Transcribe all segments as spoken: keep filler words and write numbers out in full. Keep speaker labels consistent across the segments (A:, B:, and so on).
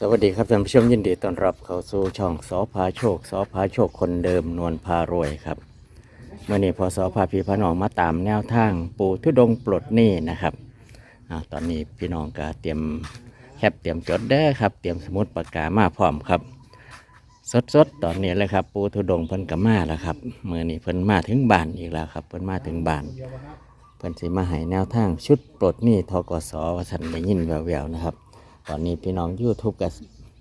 A: วัสดีครับท่านผู้ชมยินดีต้อนรับเข้าสู่ช่องสอพาโชคสอพาโชคคนเดิมนวลพารวยครับเมื่อนี้พอสอพาพี่พน้องมาตามแนวทางปู่ทุดงค์ปลดหนี้นะครับอ่าตอนนี้พี่น้องก็เตรียมแคปเตรียมจดเด้อครับเตรียมสมุดปากกามาพร้อมครับสดๆตอนนี้เลยครับปู่ทุดงค์เพิ่นก็มาแล้วครับเมื่อนี้เพิ่นมาถึงบ้านอีกแล้วครับเพิ่นมาถึงบ้านเพิ่นสิมาให้แนวทางชุดปลดหนี้ทกสว่าท่านได้ยินแววๆนะครับตอนนี้พี่น้อง YouTube ก็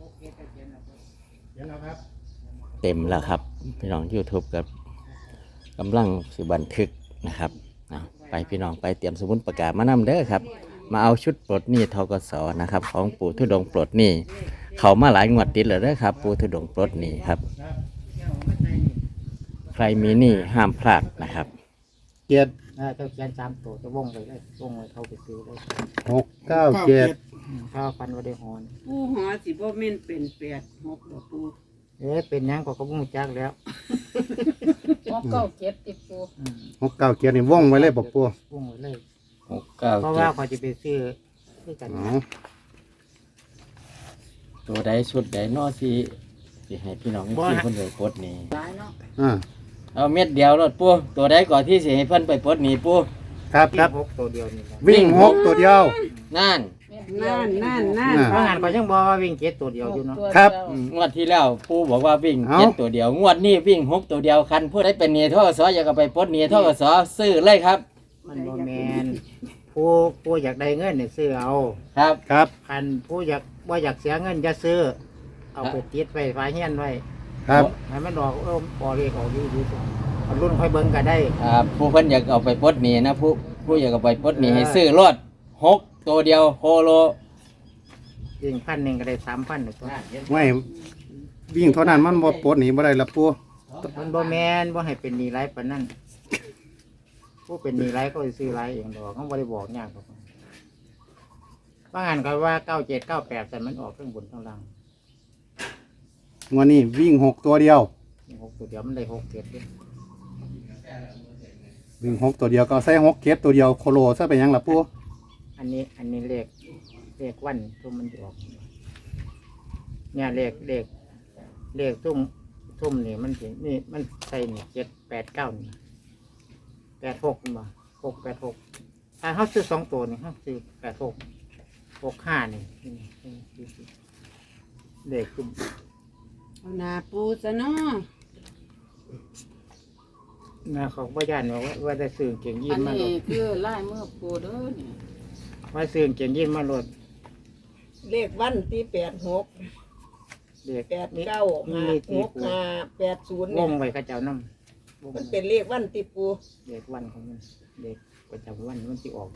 A: เต็มแล้วครับพี่น้อง YouTube กับกำลังสิบันทึกนะครับไปพี่น้องไปเตรียมสมุดประกาศมานำเด้อครับมาเอาชุดปลดหนี้ทกสนะครับของปู่ทุดงค์ปลดหนี้เขามาหลายงวดติดเลยเด้อครับปู่ทุดงค์ปลดหนี้ครับใครมีหนี้ห้ามพลาดนะครับ
B: เจ็ดนะเจ้าเขียนสามตัวจะวงไปเลยวงไปเขาไปซื้อเลย
C: หกเก้าเจ็ด
B: ข้าวฟันว่าได้หอน
D: ผู้หอสิบ่แม่นเป็นแปดหกบ่ปู
B: เอ๊ะเป็นยังก็เขาบุ้งจักแล้ว
E: หกเก้าเจ็ดติดปู
C: หกเก้าเจ็ดนี่ว่องไว้เลยบอกปู
B: วงไปเลย
A: หกเก้า
B: เพราะ
A: เจ็
B: ว่า
A: ด
B: เขาจะไปซื้อซื้อกันนะ
A: ตัวใดชุดใดนอสิสิให้พี่น้องที่คนเดียวปลดหนี้
E: หลายเนาะ
C: อ่า
A: เอาเม็ดเดียวรถปูตัวใดก่อนที่สิให้เพิ่นไปปลดหนี้ปู
C: ครับครับ
B: หกตัวเดียวนี่นะ
C: วิ่งหกตัวเดียว
A: นั่น
D: นั่นนั่นนั่น
C: อ่า
B: เพราะงานก็ยังบอกว่าวิ่งเจ็ดตัวเดียวอยู่เนาะ
C: ครับ
A: งวดที่แล้วปูบอกว่าวิ่ง
C: เอ้า
A: เจ็ดตัวเดียวงวดนี้วิ่งหกตัวเดียวคันผู้ใดเป็นหนี้ทกสอยากเอาไปปลดหนี้ทกสซื้อเลยครับ
B: มันบ่แมนผู้ผู้อยากได้เงินเนี่ยซื้อเอา
A: ครับ
C: ครับ
B: คันผู้อยากว่าอยากเสียเงินจะซื้อ เอาไปติดไว้ฟ้าเฮียนไว้
C: ครับ
B: ให้มันดอกเออปอเรียกออกดีดีเอารุ่นค่อยเบิ่งก็ได้
A: ครับผู้เพิ่นอยากเอาไปปลดหนี้นะผู้ผู้อยากเอาไปปลดหนี้ให้ซื้อรถหกตัวเดียวโคโล
B: ยิงพันหนึ่งก็ได้สามพันหนึ่งตัว
C: ไม่วิ่งเท่านั้นมันบ่ปลดหนีบ่ได้ละปู
B: มันบ่แมนบ่ให้เป็นหนีไรปานนั้นผู้เป็นหนีไรก็สิซื้อไรเองดอกเขาบ่ได้บอกยากหรอกบางอันก็ว่าเก้าเจ็ดเก้าแปดแต่มันออกข้างบนข้างล่าง
C: วันนี้วิ่งหกตัวเดียว
B: หกตัวเดียวมันได้หกเจ็ดเด้
C: วิ่งหกตัวเดียวก็ใส่หกเก็บตัวเดียวโคโลซะไปยังละปู
B: อันนี้อันนี้เลขเลขวันทุ่มมันจะออกเนี่ยเลขเลขเลขทุ่มทุ่มนี่มันสินี่มันใส่นี่เจ็ดแปดเก้านี่แปดหกมาหกแปดหกถ้าเขาซื้อสองตัวนี่เขาซื้อแปดหกหกห้านี่เลขทุ่ม
D: เอาหน้าปูซะเนาะ
B: นะเขาบ่ย่านว่าว่าได้ซื้อเก่งยิ
E: อั
B: น
E: น
B: มาโหล
E: นี้
B: ด
E: คือลายมือปูเด้อนี่
B: ว่าซื้อเก่งยินมาโหลด
F: เลขวันที่แปดหก
B: เลข
F: แปด
B: นี่
F: เก้า
B: มี
F: ห้า
B: ตี
F: หก
B: ปู
F: ห้าแปดศูนย์
B: ว
F: เนี่ย
B: งไว้เข้าเจ้าน้ำวง
F: มันเป็นเลขวันที่ปู
B: เลขวันของมันเลขประจำวันมันที่ออก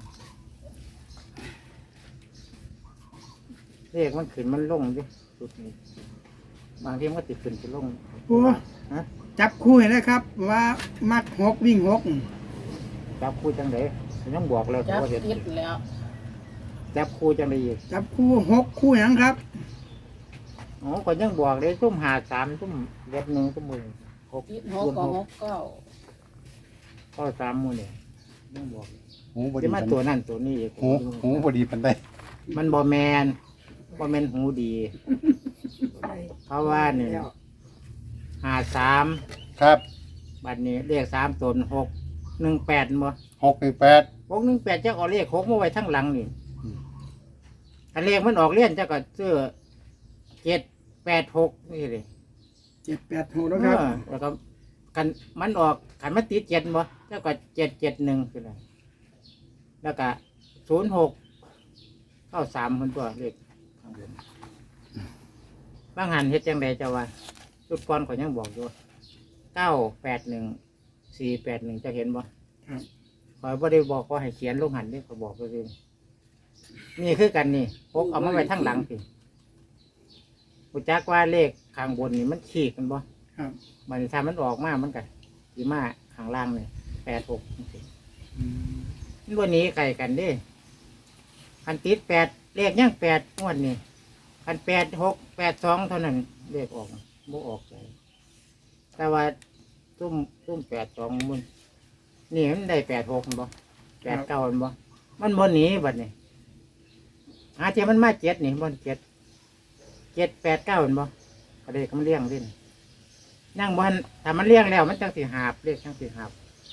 B: เลขมันขึ้นมันลงดิสุดนี้บางทีมันก็ติดขึ้นจะลง
G: โอ้
B: ฮะ
G: จับคู่ให้เลยครับ ว่ามักหกวิ่งหก
B: จับคู่จังไดฉันต้องบอกแล้ว
E: จับ
B: ว่าเห็น
E: ติดแล้ว
B: จับคู่จังไดอีก
G: จับคู่หกคู่หยังครับ
B: อ๋อก็ยังบอกเลยซุ่มหาสามซุ่มเล็บหนึ่งซุ่มมือหก
E: ติดหกกับหกเก้า
B: ก็สามมือเนี่ยยังบอก
C: หูบ่ดี
B: จะมา
C: ปัน
B: ตัวนั่นตัวนี้อีก
C: หูหูบ่ดีปันได้
B: มันบอแมนบอแมนหูดี เพราะว่าเนี่ยหาสาม
C: ครับ
B: บัดนี้เลขสามตนหกหนึ่งแปดบ่
C: หกหนึ่งแปด
B: หกหนึ่งแปดเจ้าเอาเลขหกมาไว้ทั้งหลังนี่
C: อืม
B: ถ้าเลขมันออกเลี่ยนเจ้าก็เสื้อเจ็ดแปดหกนี่เลย
G: เจ็ดแปดหกแล้วครับ
B: เออแล้วก็กันมันออกกันมันติดเจ็ดบ่เจ้าก็เจ็ดเจ็ดหนึ่งคืออะไรแล้วก็ศูนย์หกเข้าสามคนตัวเลขข้างบนบางหันเฮ็ดจังใดเจ้าว่าจุดก่อนก็ยังบอกอยู่เก้าแปดหนึ่งสี่แปดหนึ่งจะเห็นบ่
G: ครับ
B: ขอยบ่ได้บอกก็ให้เขียนลงหันนี่ขอยบอกไปเองนี่คือกันนี่พกเอามาไว้ทั้งหลังสิกูจักว่าเลขข้างบนนี่มันขีดกันบ่
G: ครับ
B: บัดนี้ถ้ามันออกมามันก็สีมาข้างล่างนี่แปดหกจังซี้
G: อืม
B: มันบ่หนี้ไก่กันเด้คันติดแปดเลขยังแปดงวดนี่คันแปดหกแปดสองเท่านั้นเลขออกบ่ออกใจแต่ว่าตุ้มตุ้มแปดสองมันนี่มันได้แปดหกมันบ่แปดเก้ามันบ่มันบ่หนีบัดนี้หาเทียมันมาเจ็ดนี่บ่เจ็ดเจ็ดแปดเก้าเห็นบ่ก็เลยก็มันเลี้ยงเล่นนั่งบนถ้ามันเลี้ยงแล้วมันจังสิหาบเลขจังสิหาบ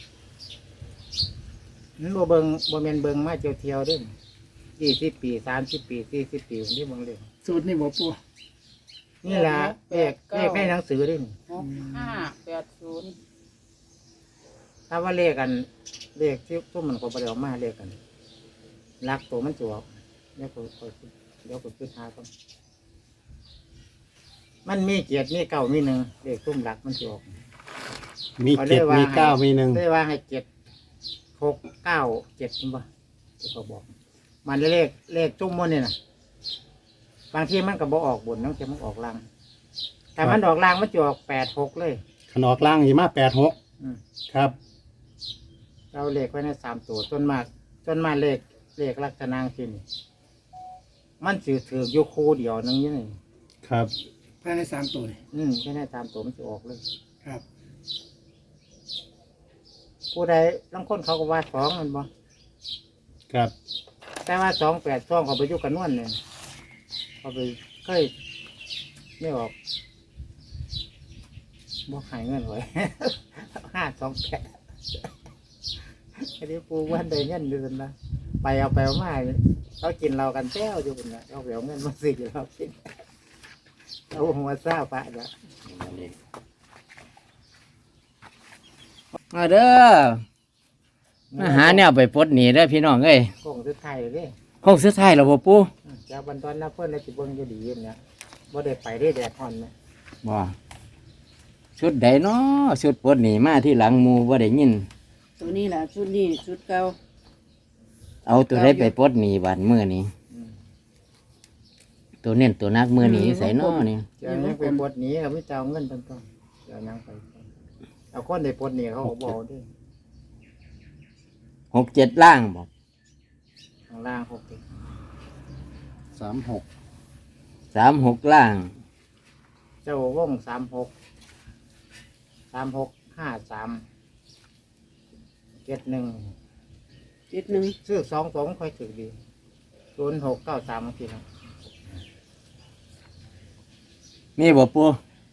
B: มันบ่เบิงบ่แม่นเบิงมาเที่ยวเที่ยวๆเด้ยี่สิบปีสามสิบปีสี่สิบปีนี่เบิ่งเลย
G: สูตรนี่บ่ปู
B: นี่ล่ะเลขเลขในหนังสือเด้
E: หกห้าแปดศูนย์
B: ถ้าว่าเลขกันเลขที่ทุ่มมันก็บ่ได้ออกมาเลขกันรักตัวมันจะออกเดี๋ยวก็ค่อยเดี๋ยวก็คิดหาก่อนมันมีเกียรติมีเก้ามีหนึ่งเลขทุ่มรักมันจะออก
C: มีเจ็ดมีเก้ามีหนึ่ง
B: ได้ว่าให้เจ็ดหกเก้าเจ็ดนี่บ่ที่เขาบอก มันเลขเลขจุ่มมันนี่นะบางทีมันก็บอออกบนบางทีมันออกล่างแต่มันออกล่างมันจะออกแปดหกเลย
C: ขนอกล่างยี่มาแปดหก
B: อืม
C: ครับ
B: เราเลขไว้ในสามตัวจนมากจนมาเลขเลขลักษณะที่นี่มันถือถืออยู่คู่เดียวนึงนี่นี่
C: ครับ
G: ภายในสามตัวนี่
B: อืมแค่ในสามตัวมันจะออกเลย
G: ครับ
B: ผู้ใดบางคนเขาก็ว่าสองมันบ่
C: ครับ
B: แต่ว่าสองแปดสองเขาไปอยุกันนวลเนี่ยเขาไปเคยไม่ออกบ่หายเงินไว้ ห้าสองแปดอันนี้ปูวันใดเงินอยู่กันนะไปเอาไปเอามาเขากินเรากันแจ้วอยู่กันนะเขาไปเอาเงินมาซื้อเรากินเอาหัวซาปะจ้ะ
A: มาเด้อมาหาแนวไปปลดหนี้เด้อพี่น้องเอ้ย
B: กงสุดท้ายเลย
A: ห้องสุดท้ายแล้วบ่ปู
B: จะบรรทอนน้าเพื่อนในจิตเบิ้งจะดีอยู่เนี่ยบ่ได้ไปได้แดดอ่อนไหม
A: บ่ชุดใดเนาะชุดปลดหนี้มาที่หลังหมู่บ่ได้ยิน
D: ตัวนี้ล่ะชุดนี้ชุดเก่า
A: เอาตัวใดไปปลดหนี้บาดมื้อนี้
B: อืม
A: ตัวเน้นตัวนักมื้อนี้ใส่น้อนี่
B: เจะยังไปปลดหนี้เขาไม่จะเอาเงินต้นๆจะยังไปเอาคนได้ปลดหนี้เขาก็บอกด้วย
A: หกเจ็ดล่างบ่
B: ข้างล่างหกสิบ
C: สามหก
A: สามหกล่าง
B: เจ้าว่องสามหกสามหกห้าสามเจ็ดหนึ่ง
D: เจ็ดหนึ่ง
B: ซื้อสองสองค่อยถึงดีศูนย์หกเก้าสามบางทีนะ
A: มีบ่ปู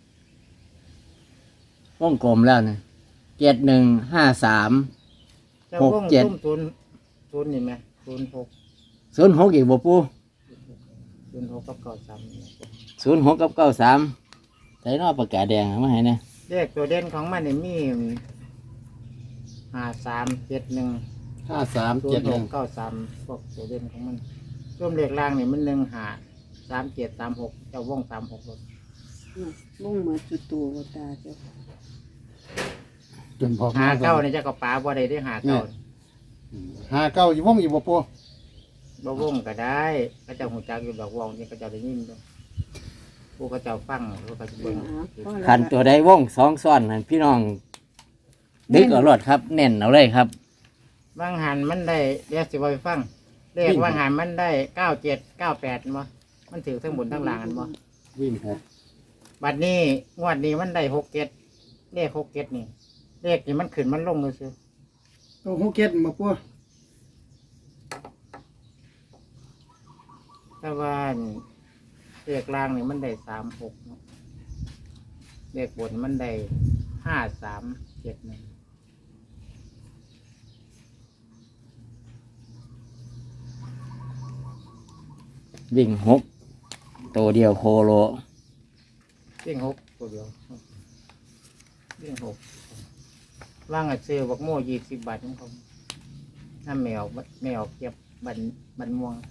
A: วงกลมแล้วนะเจ็ดหนึ่งห้าสาม
B: เจ้า
A: หก
B: ว่อง
A: เจ็ด
B: ตุ้มศูนย์ศูนย์นี่ไหมศูนย์หก
A: ศูนย์หกอีกบ่ปู
B: ศูนย์หกกับเก้าสาม
A: ศูนย์หกกับเก้าสามใส่นอปากกาแดงเอามาให้นะ
B: เลขตัวเด่นของมันนี่มีห้าสามเจ็ดหนึ่ง
C: ห้าสาม
B: ศู
C: เจ็
B: น
C: ด
B: ย์
C: ห
B: ห
C: นึ่
B: ก
C: ง
B: เก้าสามพวกตัวเด่นของมันร่วมเลขล่างนี่มันหนึ่งหาสามเจ็ดสามหกเจ้าว่องสามหก
D: ลุงเหมือนจุดตัวบ่ตาเจ้า
C: จนพอ
B: หาเก้าในเจ้าก็ป๋าบ่ได้ได้หาเก้า
C: ห้าเก้าอยู่วงอยู่บ่ปู
B: บ่ว่องก็ได้พระเจ้าหูจักอยู่ดอกว่องนี่ก็เจ้าได้ยินด้วยผู้ก็เจ้าฟังผู้ก็จะเบิ่ง
A: ขันตัวใดวงสองซ้อนนั่นพี่น้องดึกเอารถครับ เน้นเอาเลยครับ
B: ว่างหันมันได้เรียกสิบ่ไปฟังเลขว่างหันมันได้เก้าเจ็ดเก้าแปดมั้มันถือทั้งบนทั้งล่างกันบ่
C: วิ่งหก
B: บัดนี้งวดนี้มันได้หกเจ็ดเลขหกเจ็ดนี่เลขนี่มันขึ้นมันลงเลยซิ
G: ตัวหกเจ็ดบ่ปู
B: แต่ว่าเลขล่างนี่มันได้สามหกเนาะเลขบนมันได้ห้าสามเจ็ดหนึ่ง
A: วิ่งหกตัวเดียวโคโล
B: เลี้ยงหกตัวเดียวเลี้ยงหกว่างอ่ะซื้อบักโม่ยี่สิบบาทของเขาถ้าแมวแมวเก็บบันบันม่วง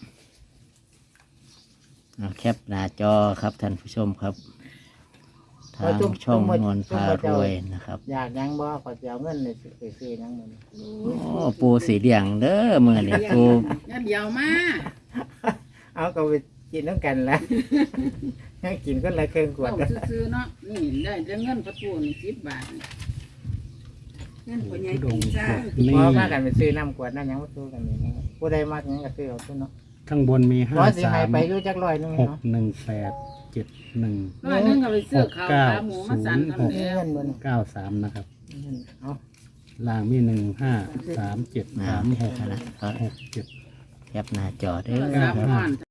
A: เอาแคปหน้าจอครับท่านผู้ชมครับ ทางช่องนวลพารวยนะครับ
B: อยากยังบ่ขอจะเอาเงินเลยไปซื้อยังมัน
A: โอ้ปูสีเหลี่ยงเด้อมือนี่ปู
D: งั้นเดี๋ยวมา
B: เอาก็ไปกินน้ำกันละ ให้กินก็ละเครื่องขวด
E: เอาซื้อๆเนาะนี่ได้แต่เงินประตูนี่สิบบาทนี่
D: งั้นพ่อใหญ่ปีซ่า
C: นี่
B: เพราะว่ากันไปซื้อน้ำขวดน้ำหยังมาซื้อกันนี่นะผู้ใดมากยังก็ซื้อเอาทุนเนาะ
C: ข้างบนมีห้า
B: ร้อยสิ
C: สา
B: ให้
C: ม
B: ไปอยู่จักร้อยหนึง
C: หก
B: เนาะ
C: หนึ่งแปดเจ็ดหนึ่ง
E: ร้อยหนึงก็ไปซื้อข้าวขาหมูมาสั่น
C: หก
E: ทำแล้ว
B: เงินบน
C: เก้าสามนะครับ
B: เอา
C: ล่างมีหนึ่งห้าสามเจ็ด
A: นะ
C: สามหก
A: นะครับ
C: หกเจ็ด
A: แคปหน้าจอเด้อ
E: สาม
A: ครับ
E: ห้อน